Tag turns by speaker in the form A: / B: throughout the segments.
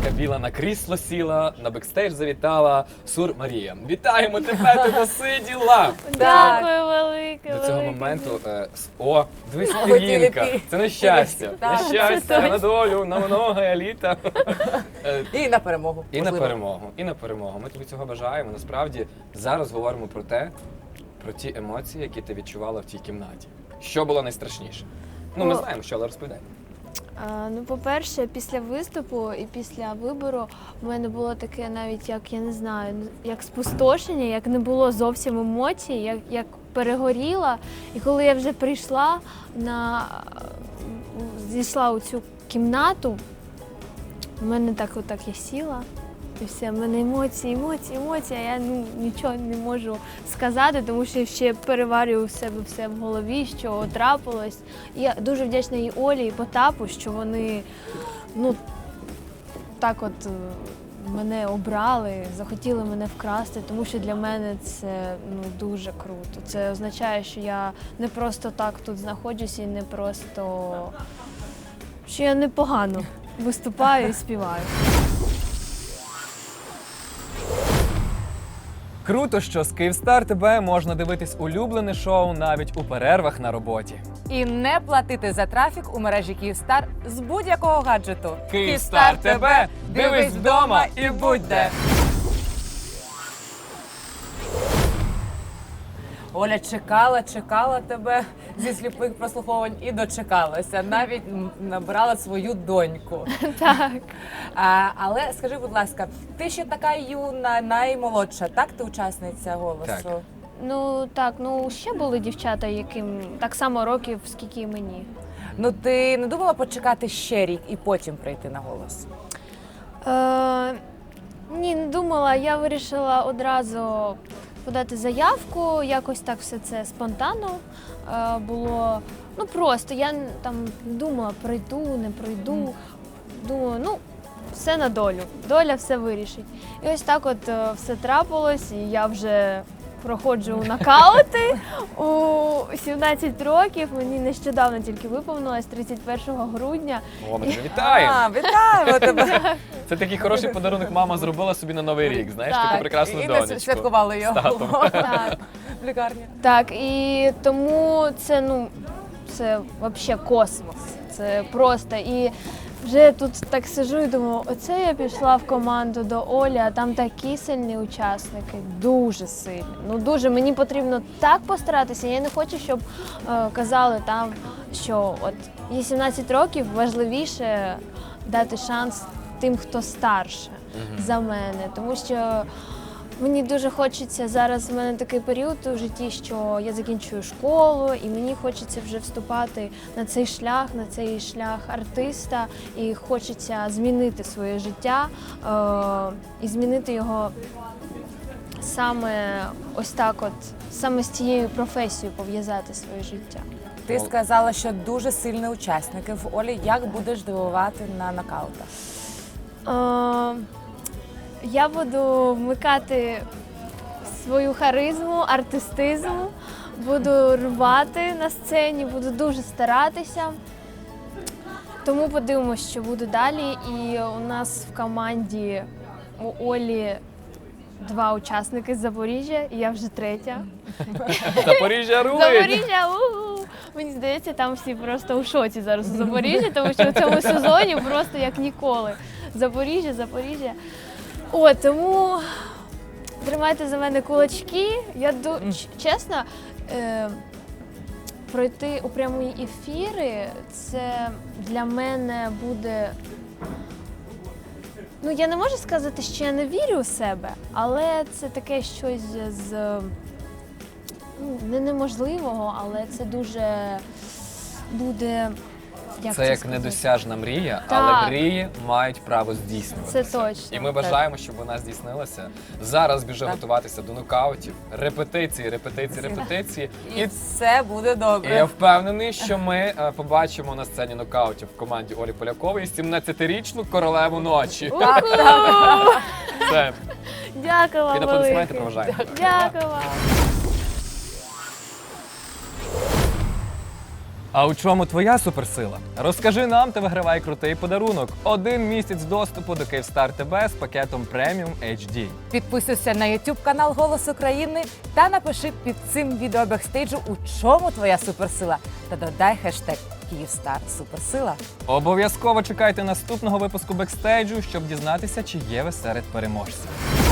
A: Ковбаска біла на крісло сіла, на бекстейдж завітала Сур Марія. Вітаємо тебе, ти досиділа!
B: Дякую велике.
A: До цього
B: велике.
A: моменту, дивись, Іринка, це на щастя, на щастя, на долю, на много літа.
C: І на перемогу.
A: І на
C: можливо.
A: перемогу, і на перемогу. Ми тобі цього бажаємо. Насправді, зараз говоримо про ті емоції, які ти відчувала в тій кімнаті. Що було найстрашніше? Ну, ми знаємо, що, але розповідай.
B: Ну, по-перше, після виступу і після вибору в мене було таке навіть, як, я не знаю, як спустошення, як не було зовсім емоцій, як перегоріла. І коли я вже прийшла, зійшла у цю кімнату, в мене так я сіла. І все, в мене емоції, а я нічого не можу сказати, тому що ще переварюю в себе все в голові, що трапилось. І я дуже вдячна і Олі, і Потапу, що вони так от мене обрали, захотіли мене вкрасти, тому що для мене це дуже круто. Це означає, що я не просто так тут знаходжусь і не просто, що я непогано виступаю і співаю.
D: Круто, що з Київстар ТБ можна дивитись улюблене шоу навіть у перервах на роботі.
C: І не платити за трафік у мережі Київстар з будь-якого гаджету.
D: Київстар ТБ! Дивись вдома і будь де!
C: Оля чекала тебе зі сліпих прослуховувань і дочекалася. Навіть набирала свою доньку.
B: Так.
C: Але скажи, будь ласка, ти ще така юна, наймолодша, так ти учасниця «Голосу»?
A: Так.
B: Ще були дівчата, яким так само років, скільки і мені.
C: Ти не думала почекати ще рік і потім прийти на «Голос»?
B: Ні, не думала. Я вирішила одразу подати заявку, якось так все це спонтанно було. Просто я там не думала, прийду, не прийду. Думаю, все на долю, доля все вирішить. І ось так от все трапилось, і я вже проходжу нокаути у 17 років. Мені нещодавно тільки виповнилось 31 грудня.
A: О, ми тебе вітаємо!
C: Вітаємо тебе!
A: Це такий хороший подарунок мама зробила собі на Новий рік, знаєш,
B: Так.
A: таку прекрасну
C: І
A: донечку.
C: не святкували
A: З
C: його
A: татом.
B: Так.
C: в лікарні.
B: Так, і тому це, це взагалі космос. Це просто. І вже тут так сиджу і думаю, оце я пішла в команду до Олі, а там такі сильні учасники, дуже сильні. Дуже, мені потрібно так постаратися. Я не хочу, щоб казали там, що от є 17 років, важливіше дати шанс тим, хто старше за мене. Тому що мені дуже хочеться, зараз в мене такий період у житті, що я закінчую школу, і мені хочеться вже вступати на цей шлях артиста, і хочеться змінити своє життя і змінити його саме ось так от, саме з цією професією пов'язати своє життя.
C: Ти сказала, що дуже сильні учасники в Олі. Як будеш дивувати на нокаутах?
B: Я буду вмикати свою харизму, артистизм, буду рвати на сцені, буду дуже старатися. Тому подивимося, що буде далі. І у нас в команді у Олі 2 учасники з Запоріжжя, і я вже 3-я.
A: Запоріжжя рулить!
B: Запоріжжя! У-у-у! Мені здається, там всі просто у шоці зараз у Запоріжжі, тому що в цьому сезоні просто як ніколи. Запоріжжя. Тому тримайте за мене кулачки. Я чесно, пройти у прямі ефіри, це для мене буде. Я не можу сказати, що я не вірю у себе, але це таке щось з неможливого, але це дуже буде.
A: Це як недосяжна мрія,
B: Так.
A: але мрії мають право здійснюватися.
B: Це точно.
A: І ми бажаємо, щоб вона здійснилася. Зараз біжи готуватися до нокаутів, репетиції.
C: І все буде
A: І
C: добре.
A: я впевнений, що ми побачимо на сцені нокаутів в команді Олі Полякової 17-річну королеву ночі. Все.
B: Дякую вам
A: Під аплодисменти
B: велике.
A: проважаємо.
B: Дякую вам.
D: А у чому твоя суперсила? Розкажи нам та вигравай крутий подарунок. 1 місяць доступу до Київстар ТБ з пакетом Premium HD.
C: Підписуйся на YouTube канал Голос України та напиши під цим відео бекстейджу, у чому твоя суперсила. Та додай хештег Київстар Суперсила.
D: Обов'язково чекайте наступного випуску бекстейджу, щоб дізнатися, чи є ви серед переможців.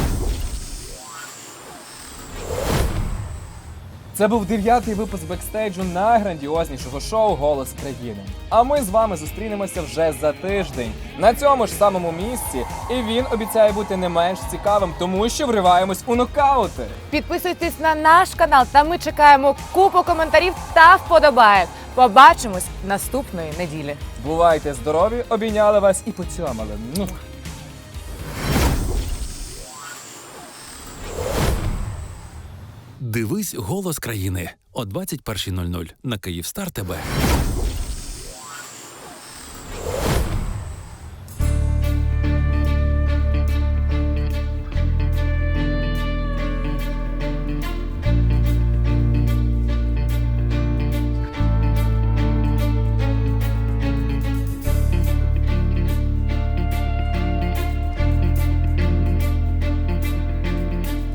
D: Це був 9-й випуск бекстейджу найграндіознішого шоу «Голос країни». А ми з вами зустрінемося вже за тиждень на цьому ж самому місці. І він обіцяє бути не менш цікавим, тому що вриваємось у нокаути.
C: Підписуйтесь на наш канал, та ми чекаємо купу коментарів та вподобаєк. Побачимось наступної неділі.
D: Бувайте здорові, обійняли вас і поцьомали.
E: Дивись «Голос країни» о 21:00 на Київстар ТБ.